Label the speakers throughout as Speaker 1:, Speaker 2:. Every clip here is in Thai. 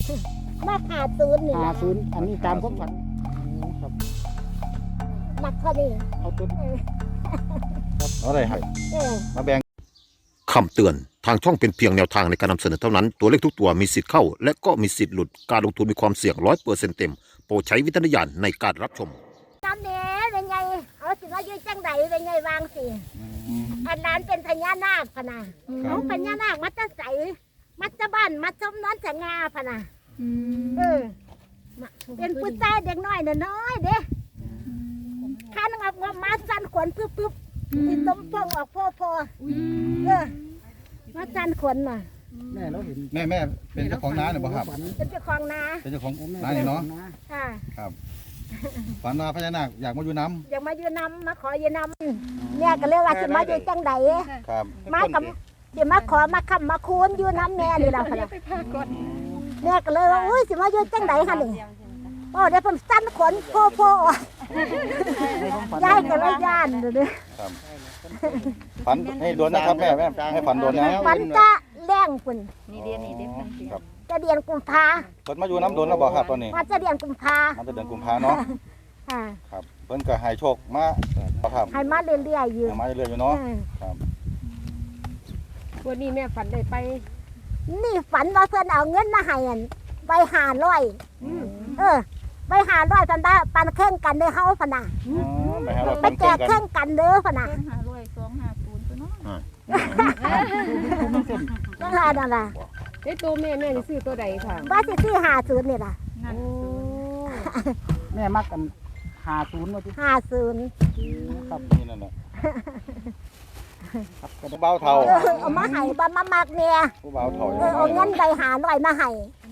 Speaker 1: มาขาดศูนย์นี่
Speaker 2: 50อันนี้ตามความฝันครับ
Speaker 1: หนักเท่านี้
Speaker 2: เอาตัว
Speaker 3: เอาอะไรให้
Speaker 1: เออ
Speaker 3: มาแบ่ง
Speaker 4: คำเตือน ทางช่องเป็นเพียงแนวทางในการนำเสนอเท่านั้น ตัวเลขทุกตัวมีสิทธิ์เข้า และก็มีสิทธิ์หลุด การลงทุนมีความเสี่ยง 100% เต็ม โปรดใช้วิจารณญาณในการรับชม
Speaker 1: น้ำเนี้ยเป็นไงเอาสิว่าอยู่จังใดเป็นไงวางสิอันนั้นเป็นพญานาคพะนะเอาพญานาคมัดจะใสมัดจะบ้านมัดชมนอนจะงาพะนะเออเป็นผู้ชายเด็กน้อยน้อยเด้ข้านงับงับมาสั่นขนปึ๊บที่ต้มพองออกพ่อเออมาสั่นขนน่ะ
Speaker 2: แม่เราเห็น
Speaker 3: แม่เป็นเจ้าของน้าเนี่ยบ่ครับ
Speaker 1: เป็นเจ้าของนา
Speaker 3: เป็นเจ้าของน้านี่เนาะ
Speaker 1: ค่ะ
Speaker 3: ครับฝันว่าพญานาคอยากมาอยู่น้
Speaker 1: อยากมาอยู่นำมาขออยู่นำเนี่ยก็เลยว่าจะมาอยู่จังใด
Speaker 3: ำครับ
Speaker 1: มากับจะมาขอมาคำมาคูนอยู่น้ำแม่นี่แหละค่ะเนี่ยก็เลยว่าอุ้ยสิมาอยู่จังใดคะนี่โอ้เดี๋ยวผมสั้นขนโพย้ายกันเลยย่านเลย
Speaker 3: ครับฝันให้โดนนะครับแม่ให้ฝันโดนนะ
Speaker 1: มันจะแรงปุ่น
Speaker 3: ครับ
Speaker 1: จะเดือนกุมภา
Speaker 3: เพิ่นมาอยู่น้ำโดนแล้วบ่ครับตอนนี้
Speaker 1: มันจะเดือนกุมภา
Speaker 3: มันจะเดือนกุมภาเนาะ
Speaker 1: ค่ะ
Speaker 3: ครับเพิ่นก็ให้โชคมาครับ
Speaker 1: ให้มาเรื่อยๆอยู่
Speaker 3: ให้มาเรื่อยๆอยู่เนาะครับ
Speaker 5: วันนี้แม่ฝันได้ไป
Speaker 1: นี่ฝันว่าเพื่อนเอาเงินมาให้ใบ500ปันได้ปันแข่งกันได้เฮาพะนะ
Speaker 3: ไปหาเรา
Speaker 1: ไป
Speaker 3: เป็น
Speaker 1: แจ
Speaker 3: เพื่อนกัน
Speaker 1: กแข่งกันเด้อพะนะ นั่นล่ะนั่นล่ะ
Speaker 5: ไอ้ตัวแม่จะซื้อตัวใดค่ะ
Speaker 1: ว่าสิซื้อ50นี่ล่ะ
Speaker 5: โอ้
Speaker 2: แม่มักกัน50ว่าที่
Speaker 1: 50
Speaker 2: ครับ
Speaker 3: นี่นั่นน่ะ
Speaker 2: ครับก็ได้
Speaker 3: เบาเท่า
Speaker 1: เอามาให้บ่มามักเนี่ย
Speaker 3: ผู้เบาเท่า
Speaker 1: เอาเงินใบ500มาให้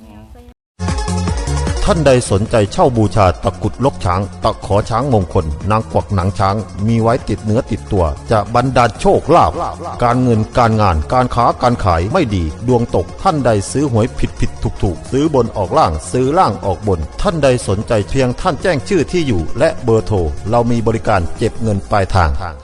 Speaker 4: ท่านใดสนใจเช่าบูชาตะกรุดลกช้าง ตะขอช้างมงคล นางกวักหนังช้าง มีไว้ติดเนื้อติดตัว จะบรรดาลโชคลาภการเงินการงานการค้าการขายไม่ดี ดวงตกท่านใดซื้อหวยผิดถูกซื้อบนออกล่างซื้อล่างออกบน ท่านใดสนใจเพียงท่านแจ้งชื่อที่อยู่ และเบอร์โทรเรามีบริการเก็บเงินปลายทาง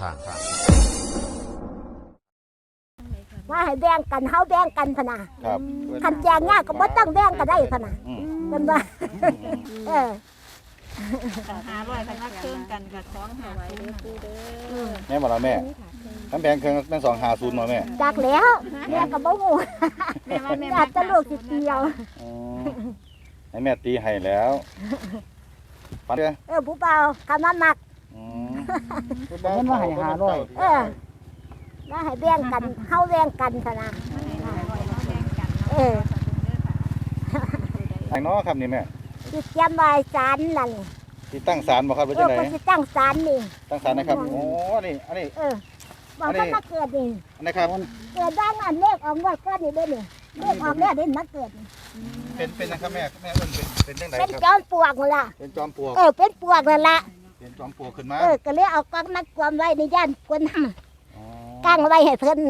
Speaker 1: ว่าให้แบ่งกันเฮาแบ่งกันพะนะครับ คันแจงยากก็บ่ต้องแบ่งก็ได้พะนะเพิ่นว่าเออ
Speaker 6: 500คันว่าเครื่องกันกับของหาไว้เด้อปูเด้อ
Speaker 3: แม่บอกแล้วแม่น้ำแบงเครื่องแม่250มาแม่
Speaker 1: จักแล้วแม่ก็บ่ฮู้
Speaker 6: แม่ว่าแม่
Speaker 1: อยากจะลูกสิเกี่ยว
Speaker 3: ให้แม่ตีให้แล้วฝันเด้อ
Speaker 1: ผู้เบาคำนั้นมัก
Speaker 2: เงินว่าให้500
Speaker 1: เออแล้วให้แบ่งกันเฮาแบ่งกันพะนะเออ
Speaker 3: ทางเนาะครับนี่แม่
Speaker 1: สิเตรียมไว้ศาลนั่น
Speaker 3: ที่ตั้งศาลบ่ครับหรือ
Speaker 1: เอ
Speaker 3: จั
Speaker 1: อง
Speaker 3: ได๋
Speaker 1: เพิ่นสิตั้งศาลนี่
Speaker 3: ตั้งศาลนะครับโอ้นี่อันนี้
Speaker 1: เออบอกท่านมาเกิดนี่
Speaker 3: อันนี้ครับ
Speaker 1: เกิดด้านอันเลขออกงวดก้อนนี่เด้อนี่เลขออกแล้วเด่นมาเกิดนี่
Speaker 3: เป็นนะครับแม่เอิ้นเป็นจังได๋
Speaker 1: เป็น
Speaker 3: ครับ
Speaker 1: จอมปลวกนั่นล่ะ
Speaker 3: เป็นจอมปลวก
Speaker 1: เป็นปลวกนั่นล่ะ
Speaker 3: เป็นจอมปลวกขึ้นมา
Speaker 1: ก็เลยเอากองมัดความไว้ในย่านคนท
Speaker 3: อ๋อ
Speaker 1: ำกั้งไว้ให้เพิ่น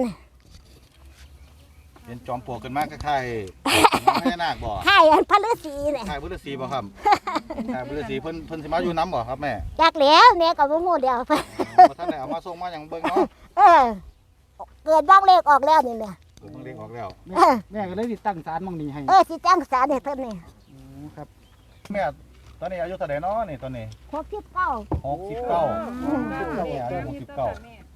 Speaker 3: เป็นจอมปลวกขึ้นมาคล้ายๆพญานาคบ่
Speaker 1: ให้อันพระฤาษีเนี่ย
Speaker 3: คล้ายพุทธศรีบ่ครับคล้ายพุทธศรีเพิ่นสิมาอยู่น้ำบ่ครับแม่
Speaker 1: จากแล้วแม่ก็บ่ฮู้เดียวเพิ่น
Speaker 3: บ่ทันได้เอามาส่งมาหยังเบิ่งเนาะ
Speaker 1: เออเกิดบ้างเลขออกแล้วนี่แหละ
Speaker 3: เพิ่นเรียกออกแล้ว
Speaker 2: แม่ก็เลยติดตั้งศาลหม่องนี้ให้
Speaker 1: สิจ้างศาลให้เพิ่นนี่
Speaker 2: ครับ
Speaker 3: แม่ตอนนี้อายุเท่าใดเนาะนี่ตอนนี้
Speaker 1: 69
Speaker 3: 69แม่อายุ69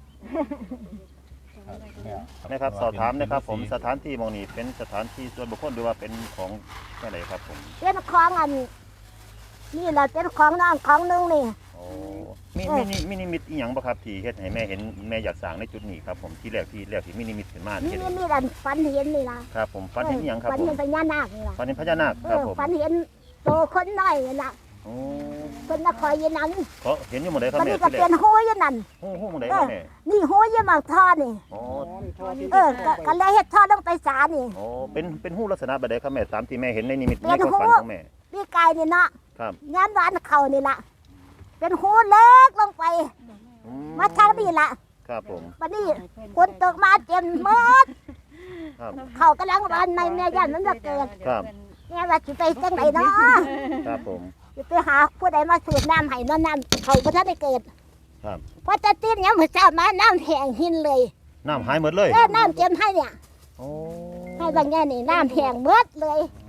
Speaker 7: นะครับสอบถามนะครับผมสถานที่หมองนี้เป็นสถานที่ส่วนบุคคลหรือว่าเป็นของแค่ไหนครับผม
Speaker 1: เป็นของอันนี่แหละเป็นของน้องของนึงนี่
Speaker 7: โอ้มีนิมิตอีหยังบ่ครับที่เฮ็ดให้แม่เห็นแม่อยากสร้างในจุดนี้ครับผมที่แรกที่มีนิมิตขึ้นมา
Speaker 1: นี่
Speaker 7: เฮ็ด
Speaker 1: นี่อันฝันเห็นนี่ล่ะ
Speaker 7: ครับผมฝันเห็นอีหยังครับ
Speaker 1: ฝัน
Speaker 7: ผม
Speaker 1: เห็นพญานาคนี่ล่ะ
Speaker 7: ฝันเห็นพญานาคครับผม
Speaker 1: ฝันเห็นโตคนน้อยนี่ล่ะ
Speaker 7: โอ้
Speaker 1: เพิ่นมาคอยยืนนั้น
Speaker 7: เขาเห็นอยู่หมดเลยครับ
Speaker 1: มัน
Speaker 7: แม่
Speaker 1: นี่ก็
Speaker 7: ที่แร
Speaker 1: เป็
Speaker 7: ก
Speaker 1: นหูอยู่นั่น
Speaker 7: โอ้โหหมดเลยครับแม่
Speaker 1: นี่หูอยู่หมากท่อนี่
Speaker 7: โอ้
Speaker 1: ก็เลยเฮ็ดท่อลงไปศาลนี่
Speaker 7: โอ้เป็นหูลักษณะแบบใดครับแม่ตามที่แม่เห็นในนิมิต
Speaker 1: เป็
Speaker 7: ใน
Speaker 1: น
Speaker 7: ความ
Speaker 1: หู
Speaker 7: ฝันของแม่
Speaker 1: พี่กายนี่เนาะ
Speaker 7: ครับ
Speaker 1: งานหวานเขานี่ล่ะเป็นหูเล็กลงไป
Speaker 7: อื
Speaker 1: มาทางนี้ล่ะ
Speaker 7: ครับผม
Speaker 1: บัดนี้ฝนตกมาเต็มหมด
Speaker 7: ครับ
Speaker 1: เขากำลังวันในแม่ย่านมันจะเกิด
Speaker 7: ครับ
Speaker 1: แม่ว่าสิไปจังไหนเนาะ
Speaker 7: ครับผม
Speaker 1: สิไปหาผู้ใดมาสูบน้ำให้น้ำเขาบ่ทันได้เกิด
Speaker 7: ครับ
Speaker 1: พอจะตีนยังมื้อเช้ามาน้ำแห้งหินเลย
Speaker 7: น้ำหายหมดเลย
Speaker 1: น้ำเต็มให้เนี่ย
Speaker 7: โอ้
Speaker 1: ให้บางแง่นี่น้ำแห้งหมดเลย
Speaker 6: เป็นดูด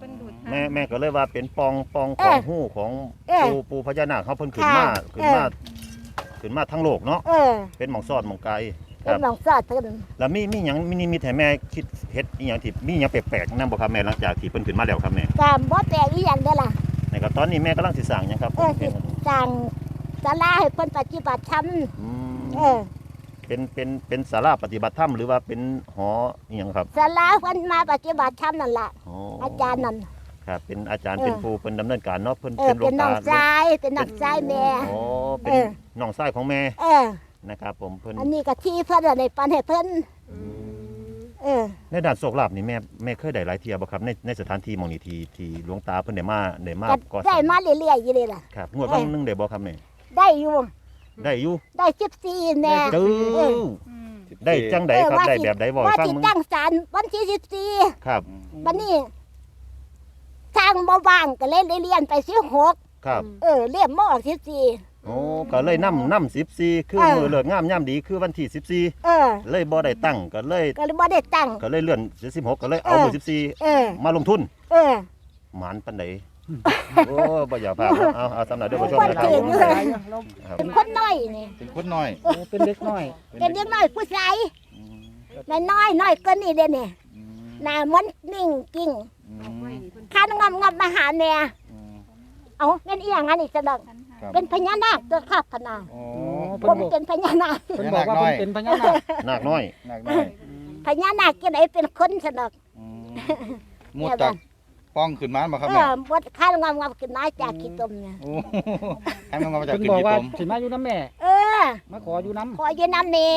Speaker 7: แม่ก็เลยว่าเป็นปองของหู้ของปูพญานาคเขาเพิ่นขึ้นมาทั้งโลกเนาะเป็นหม่องซอดหม่องไกลค
Speaker 1: เป็น
Speaker 7: รับ
Speaker 1: หนองซอดเพิ่น
Speaker 7: แล้วมีหยังมีให้แม่คิดเฮ็ดอีหยังที่มีหยังแปลกๆนำบ่ครับแม่หลังจากที่เพิ่นขึ้นมาแล้วครับแม่
Speaker 1: ก็บ่แปลกอีหยังเด้อล่ะ
Speaker 7: ในก็ตอนนี้แม่กำลังสิสร้างหยังครับ
Speaker 1: สิสร้างศาลาให้เพิ่นปฏิบัติธรรม
Speaker 7: อืม เป็นศาลาปฏิบัติธรรมหรือว่าเป็นหออีหยังครับ
Speaker 1: ศาลาเพิ่นมาปฏิบัติธรรมนั่นล่ะ
Speaker 7: อ๋อ
Speaker 1: อาจารย์นั่น
Speaker 7: ครับเป็นอาจารย์เป็นผู้เพิ่นดำเนินการเนาะเพิ่น
Speaker 1: เป็น
Speaker 7: หลว
Speaker 1: น้
Speaker 7: ตา
Speaker 1: องชายเป็นน้องชายแม่
Speaker 7: อ๋อเป็นน้องชายของแม่นะครับผมเพิ่น
Speaker 1: อันนี้ก็ที่เพิ่นได้ปันให้เพิ่น
Speaker 7: ในด้านโชคลาภนี่แม่เคยได้หลายเที่ยบ่ครับในสถานที่หม่องนี้ที่หลวงตาเพิ่นได้มาก่อส
Speaker 1: ได้
Speaker 7: ร้าง
Speaker 1: มาเรื่อยๆอยู่เลยล่ะ
Speaker 7: ครับงวดวันหนึงได้บ่ครับแม่
Speaker 1: ได้อยู่
Speaker 7: ได้อยู่
Speaker 1: ได้14แน่
Speaker 7: จื้อได้จังไดครับได้แบบใดบ่
Speaker 1: ว่า
Speaker 7: ฟัง
Speaker 1: สิ
Speaker 7: มึง
Speaker 1: ตั้งศาลวันที่14
Speaker 7: ครับ
Speaker 1: บัดนี้ทางบ่ว่างก็เลยได้เรียนไป16
Speaker 7: ครับ
Speaker 1: เรียนมาออก14
Speaker 7: โอ้ก็เลยนำ14คือมื้อเลิกงามยามดีคือวันที่14เลยบ่ได้ตั้งก็เลย
Speaker 1: ก็เลยบ่ได้ตั้ง
Speaker 7: เลื่อน16ก็เลยเอามื้อ14มาลงทุน หมานปันใด โอ้บ่อยากพาเอาสำหรับเด้อผู้ชมนะครับ
Speaker 1: เป็นคนน้อยนี่
Speaker 3: เป็นคนน้อย
Speaker 2: เป็นเด็กน้อย
Speaker 1: เป็นเด็กน้อยผู้ชายน้อยเกินนี่เด้นี่หน้ามันนิ่งกิ้งคันงอมมาหาแม่เอาเป็นอีหยังอันนี้ซะดอกเป็นพญานาคตัวครับพะนา
Speaker 3: อ๋อ
Speaker 1: ผมเป็นพญานาค
Speaker 2: เพิ่นบอกว่าเพิ่นเป็นพญานาค
Speaker 7: นาคน้อย
Speaker 3: หนักน้อย
Speaker 1: พญานาคจังไดเป็นคนซะดอก
Speaker 3: มุดจากป้องขึ้นมาบ่ครับแม่
Speaker 1: บ่คันงอมขึ้นมาจากขี้ตมเนี่ย
Speaker 3: โอ้ให้มันมาจาก
Speaker 2: เพิ่น
Speaker 3: ขึ้น
Speaker 2: บอก
Speaker 3: ที่
Speaker 2: ว่า
Speaker 3: ตม
Speaker 2: สิมาอยู่น้ำแม่ มาขออยู่น้ำ
Speaker 1: ขออยู่น้ำเนี่ย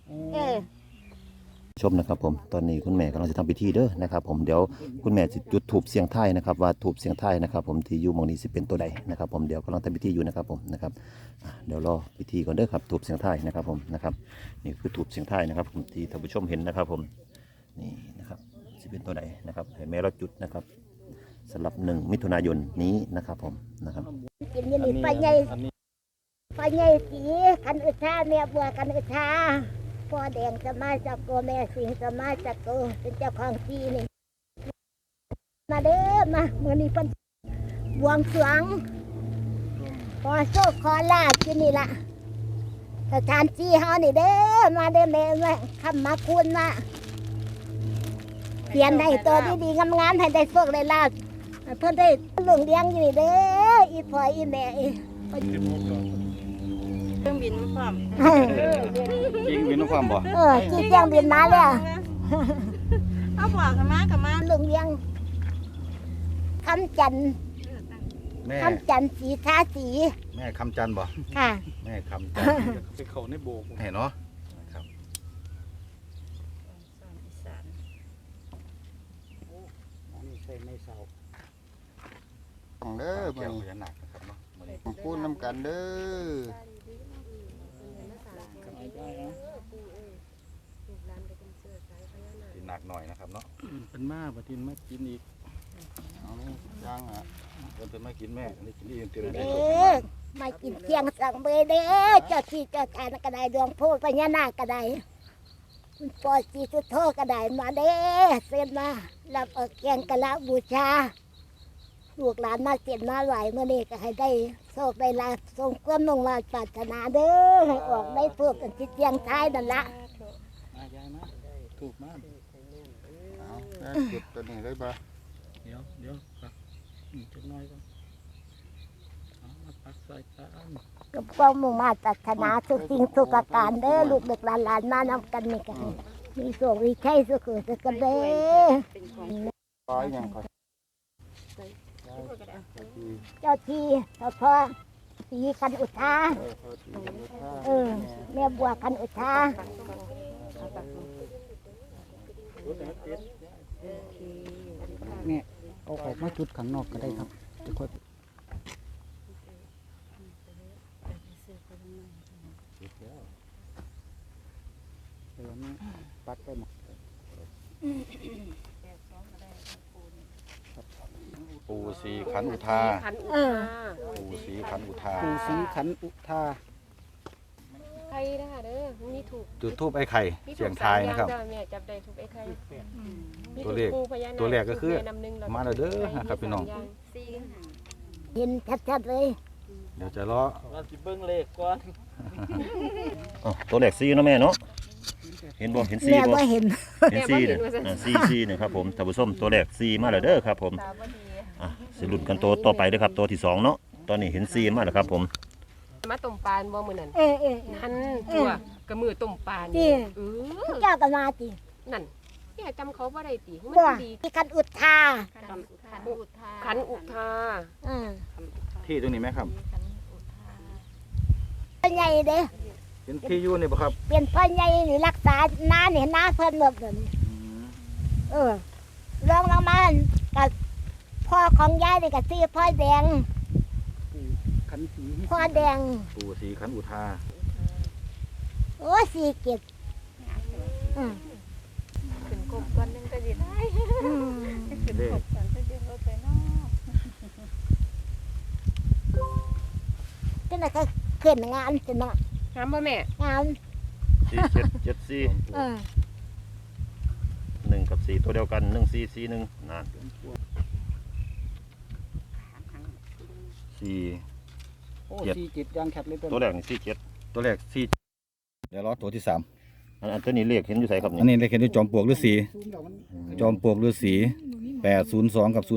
Speaker 7: ชมนะครับผมตอนนี้คุณแม่กำลังจะทำพิธีเด้อนะครับผมเดี๋ยวคุณแม่จะจุดธูปเสียงไทายนะครับว่าธูปเสียงไทายนะครับผมที่อยู่หมองนี้สิเป็นตัวใดนะครับผมเดี๋ยวกำลังทำพิธีอยู่นะครับผมนะครับเดี๋ยวรอพิธีก่อนเด้อครับธูปเสียงไทายนะครับผมนะครับนี่คือธูปเสียงไทายนะครับผมที่ท่านผู้ชมเห็นนะครับผมนี่นะครับสิเป็นตัวใดนะครับให้แม่เราจุดนะครับสำหรับ1 มิถุนายนนี้นะครับผมนะครับ
Speaker 1: กินอยี่นี่ไปใหญ่สีกันอึชาแม่บัวกันอึชาพ่อแดงสมาจากโกแม่สิงสมาจากโกเป็นเจ้าของที่นี่มาเด้อมาเมื่อนี้เพิ่นบวงสรวงขอโชคขอลาภที่นี่ละสถานที่เฮานี่เด้อมาเด้อแม่มาคำมาคุณมาเขียนให้ตัวดีๆงามๆให้ได้โชคได้ลาภเพิ่นได้ลุงเลี้ยงอยู่นี่เด้ออีพ่ออีแม่อี
Speaker 6: เครื่องบินมาพร้อม
Speaker 3: จริงวินความบ่
Speaker 1: จีเจียงบินมาแล้ว
Speaker 6: เอาบอกกันมากับมา
Speaker 1: ลุงเลี้ยงคำจันทร์
Speaker 3: แม่
Speaker 1: คำจันทร์สีทาสี
Speaker 3: แม่คำจันทร์บ่
Speaker 1: ค่ะ
Speaker 3: แม่คำจันทร์ไปเข้าในโบกเห็นเนาะครับของเด้อมื้อนี้พญานาคนะครับเนาะมื้อนี้พูดนำกันเด้อกินหนักหน่อยนะครับเนาะ
Speaker 2: เป็นมาบ่ทินมากินอีก
Speaker 3: เอานี่ย่างอ่ะเพิ่นมากินแม่นี่กินอีกเต็มได้
Speaker 1: เด้อมากินเที่ยงสั่งเบยเด้อเจ้าที่เจ้าทานก็ได้ดวงโพพญานาคก็ได้คุณปอสีสุโธก็ได้มาเด้อเส้นมารับเอาแกงกะละบูชาลูกหลานมาเสียนมาไหวเมื่อนี้ก็ให้ได้โชคได้ลาภทรงความมุ่งมั่นปรารถนาเด้อให้ออกได้พวกกันที่เที่ยงท้ายนั่นละ
Speaker 2: มายายมาถูกมา
Speaker 3: เอาแล้วจุดตัวนี้เลยบ่
Speaker 2: เดี๋ยวปักจักหน่อยก่อนเอามาปักใส่ตาอัน
Speaker 1: กับความมุ่งมั่นปรารถนาทุกสิ่งทุกประการเด้อลูกเด็กหลานมานำกันนี่กันมีโชคมีชัยสุขสุขกันเด้อ
Speaker 3: ปล่อยหยังก่อน
Speaker 1: เจ้าที่เจ้าพ่อสีคันอุทาแม่บัวคันอุทา
Speaker 2: แม่เอาออกมาจุดข้างนอกก็ได้ครับจะค่อยเดี๋ยวนี้ปักไปหมด
Speaker 3: ปูสีขันอุทา
Speaker 1: เออ
Speaker 3: ปูสีขันอุทา
Speaker 2: ปู่ศรีขันอุทา
Speaker 1: ค
Speaker 5: ข่นะคะเด้อมีถูก
Speaker 3: จุดทูบไอ้ไข่เสียงทายนะครับ
Speaker 5: แม่จับได้ถูกไอ้ไข่มี
Speaker 3: ตัวเลข
Speaker 5: ถูกพญานาค
Speaker 3: ตัวแรกก็คือ
Speaker 5: ถูแม่น้ำหนึ่งแล้ว
Speaker 3: มาแล้วเด้อนะครับพี่น้อง
Speaker 1: เห็นชัดๆเลย
Speaker 3: เดี๋ยวจะรอ
Speaker 2: เราสิเบิ่งเลขก่อน
Speaker 7: อ๋อตัวแรก4เนาะแม่เนาะเห็นบ่เห็น
Speaker 1: แม่
Speaker 7: 4บ่
Speaker 1: บ่เห็น
Speaker 7: เห็น4เนี่ย4นะครับผมท่านผู้ชมตัวแรก4มาแล้วเด้อครับผม
Speaker 6: ตาบ่ดี
Speaker 7: สิลุ้นกันตัวต่อไปเด้อครับตัวที่2เนาะตอนนี้เห็น4มาแล้วครับผม
Speaker 5: มาต้มปลาบ่มื้อนั้น
Speaker 1: เออ
Speaker 5: นั่นตัวกระมือต้มปลา
Speaker 1: จริ
Speaker 5: นี่
Speaker 1: ง
Speaker 5: เออ
Speaker 1: เจ้าก็มาติ
Speaker 5: นั่นแม่จำเขาบ่ได้ติมัน
Speaker 1: บ่
Speaker 5: ดี
Speaker 1: ที่คันอุดทา
Speaker 6: ขันอุทา
Speaker 5: ขันอุทา
Speaker 1: อือ
Speaker 3: ที่ตรงนี้ไหมครับ
Speaker 6: ขันอุทา
Speaker 1: พ่อใหญ่เด้
Speaker 3: เป็นที่อยู่นี่บ่ครับ
Speaker 1: เป็นพ่อใหญ่นี่รักษาน้านี่น้าเพิ่นหมดเลยเออลองลงมากับพ่อของยายนี่ก็ชื่อพ่อแดง
Speaker 2: ขันสี
Speaker 1: พ่อแดง
Speaker 3: ปู่ศรีขันอุทา
Speaker 1: โอ้สี่เก็บอืม
Speaker 6: ขึ้นกบก่อนหนึงก็สิได้
Speaker 1: อืม
Speaker 6: ขึ้นกบก่อนก็สิบ่ไปเนาะ
Speaker 1: จังได๋ก็ขึ้นงานสิเนาะ
Speaker 5: ถามบ่แม่
Speaker 1: งาน
Speaker 7: 4774
Speaker 1: เออ
Speaker 7: 1กับ4ตัวเดียวกัน1441นั่น4
Speaker 2: โอ้
Speaker 3: เจ็ด
Speaker 2: 47ยังแคบเลย
Speaker 7: ตัวแรกนี่47
Speaker 3: ตัวแรกสี่เดี๋ยวรอตัวที่3
Speaker 7: อันตัวนี้เลขเห็นอยู่ไสครับ
Speaker 3: อัน
Speaker 7: นี่
Speaker 3: นี้เลขเห็นที่จอมปลวกฤาษี
Speaker 2: ซูมแล้วมัน
Speaker 3: จอมปลวกฤาษี802กับ05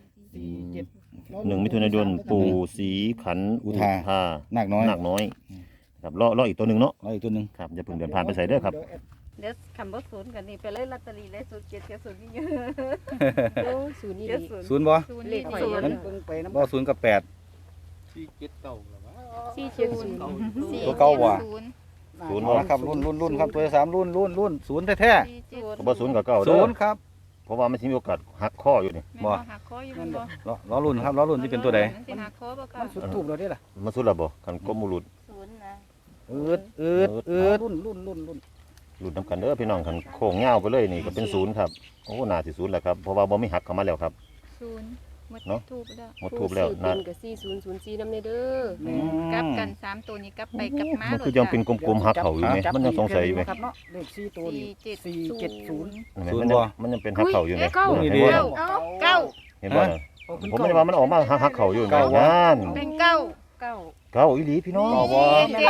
Speaker 7: 1มิถุนายนปู่ศรีขัน
Speaker 3: อุทา นาคน้อย
Speaker 7: นาคน้อยครับรออีกตัวหนึงเนาะ
Speaker 3: รออีกตัวหนึง
Speaker 7: ครับอย่าเพิ่งเดินผ่านไปใส่เด้อครับ
Speaker 6: เดี๋ยวคำบ่ศูนย์กันนี่ไปเลยลอตเตอรี่เลย07กับ0นี่เยอะ
Speaker 5: โอ้ศูนย์นี่ดี
Speaker 6: 70
Speaker 3: ศูนย์บ่
Speaker 5: เลขหอย
Speaker 2: มันเบิ่งไปน้ำ
Speaker 3: บ่0กับ8
Speaker 2: 47เก่าแล้ววะ
Speaker 5: 470
Speaker 3: ตัวเก่าว่ะ
Speaker 7: ศูนย์
Speaker 3: เอาละครับรุ่นครับตัวที่3รุ่นศูนย์แท้
Speaker 7: ก็บ่ศูนย์กับเก้า
Speaker 3: ๆ
Speaker 7: เด้
Speaker 3: ศู
Speaker 7: อน
Speaker 3: ย์ครับ
Speaker 7: เพราะว่ามันสิมีโอกาสหักข้ออยู่นี่
Speaker 6: แม่บ่หักคออยู่บ่
Speaker 3: รอรุ่นครับรอรุ่นที่เป็นตัวใด
Speaker 6: มันสิหักคอบ่ค่ะ
Speaker 2: มันสุดถูกแล้วเด้ล่ะ
Speaker 7: มันสุดและบ่คันกลมบุรุษ
Speaker 6: ศูนย์นะ
Speaker 3: อืด
Speaker 2: รุ่น
Speaker 7: หลุดนํกันเด้อพี่น้องคันโค้งยาวไปเลยนี่ก็เป็นศูนย์ครับโอ้น่าสิศูนย์แหละครับเพราะว่าบ่มีหักเข้ามาแล้วครับ
Speaker 6: ศูนย์หมด
Speaker 7: เนาะ
Speaker 6: ทูบแล้ว
Speaker 7: หมดทูบแล้ว
Speaker 5: นั่
Speaker 7: นะ
Speaker 5: นก็4004นำเด้อ
Speaker 6: กลับกัน3ตัวนี้กลับไปกลับมา
Speaker 7: มันคือยังเป็นกลมๆหักเขาอยู่ไหมมันยังสงสัยอยู่ไหม
Speaker 2: ครับเนาะเลข4ตัวนี่470
Speaker 7: มันยังเป็นหักเขาอยู่ไหม
Speaker 5: เก้า
Speaker 7: เห็น
Speaker 3: ดี
Speaker 7: บ่
Speaker 6: เก้า
Speaker 7: เห็นบ่น่ะผมไม่ได้ว่ามันออกมาหักเขาอยู่ไหมนั่น
Speaker 6: เป็นเก้า
Speaker 5: เก้า
Speaker 7: เก้าอีหลีพี่น้อง
Speaker 6: 479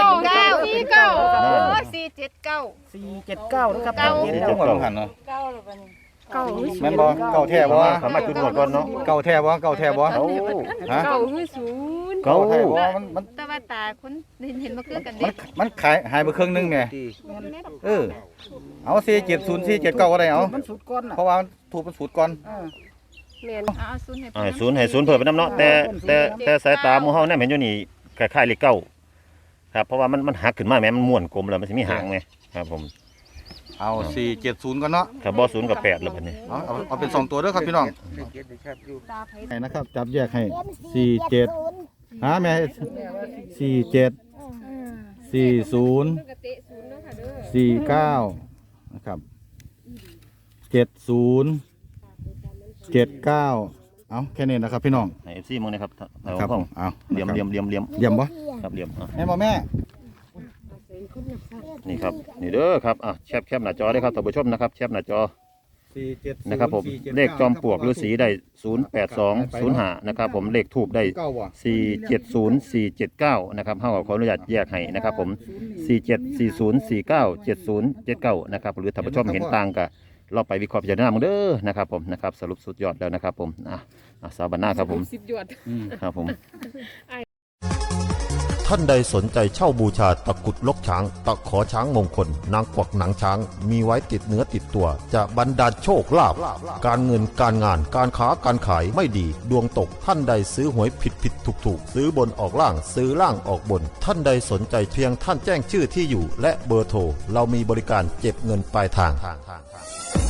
Speaker 6: 479
Speaker 2: นะครับ
Speaker 6: เก้า
Speaker 3: ที่จังหวัดหันเนาะ
Speaker 6: เก้าหรือเปล่านี่
Speaker 5: เก้า
Speaker 3: แม่นบ่เก่าแท้บ่
Speaker 7: สามารถจุดหมดก่อนเนาะ
Speaker 3: เก่าแท้บ่เก่าแท้บ่
Speaker 7: เก้า
Speaker 3: ฮะ
Speaker 5: เก้าคือศูนย์
Speaker 7: เก้า
Speaker 3: แท้บ่มัน
Speaker 6: แต่ว่าตาคนเห็นมาคือกัน
Speaker 3: มั
Speaker 6: เด็
Speaker 3: นมันขายหายไปครึ่งนึงแหม่เอา470 479ก็ได้เอา
Speaker 2: มันสุดก้อนน่ะ
Speaker 3: เพราะว่ามันถูกเป็นสูตรก่อน
Speaker 5: แม่น
Speaker 6: เอาศูนย์ให้
Speaker 7: ให้ศูนย์เพิ่มไปน้ำเนาะแต่สายตาหมู่เฮาเนี่ยเห็นอยู่นี่คล้ายๆเลขเก้าครับเพราะว่ามันหักขึ้นมาแม้มันม้วนกลมแล้วมันสิมีหางไงครับผม
Speaker 3: เอา470ก่อนเนาะ
Speaker 7: ครับบ่ศูนย์กับแปดแล้วบัดนี้
Speaker 3: เอาเป็น2ตัวเด้อครับพี่น้อง
Speaker 5: ตาไผ
Speaker 3: ให้นะครับจับแยกให้
Speaker 1: เป็น
Speaker 3: 47หาแม่47 40
Speaker 5: กระเตะศูนย์เนาะค่ะเด้อ
Speaker 3: 49นะครับ70 79เอาแค่นี้นะครับพี่น้อง
Speaker 7: ให้ FC มึงนะครับเอา
Speaker 3: ครับ
Speaker 7: ห้อง
Speaker 3: เอา
Speaker 7: เหลี่ยม
Speaker 3: เยี่ยมบ่
Speaker 7: ครับเหลี่ยมอ่ะ
Speaker 3: แม่บ่แม่
Speaker 7: นี่ครับนี่เด้อครับอ่ะแคปหน้าจอได้ครับท่านผู้ชมนะครับแคปหน้าจอ
Speaker 3: 470
Speaker 7: นะครับผมเลขจอมปลวกฤาษีได้08205นะครับผมเลขทูบได้
Speaker 3: เก้าว่ะ
Speaker 7: 470479นะครับเฮาขออนุญาตแยกให้นะครับผม4740497079นะครับหรือท่านผู้ชมเห็นต่างก็เราไปวิเคราะห์พิจารณามึงเด้อนะครับผมนะครับสรุปสุดยอดแล้วนะครับผมสาวบรรณาครับผม
Speaker 5: 10หยวน
Speaker 7: ครับผม
Speaker 4: ท่านใดสนใจเช่าบูชาตะกรุดลกช้าง ตะขอช้างมงคล นางกวักหนังช้าง มีไว้ติดเนื้อติดตัว จะบรรดาลโชคลาภการเงินการงานการค้าการขายไม่ดี ดวงตกท่านใดซื้อหวยผิดถูกซื้อบนออกล่างซื้อล่างออกบน ท่านใดสนใจเพียงท่านแจ้งชื่อที่อยู่ และเบอร์โทรเรามีบริการเก็บเงินปลายทาง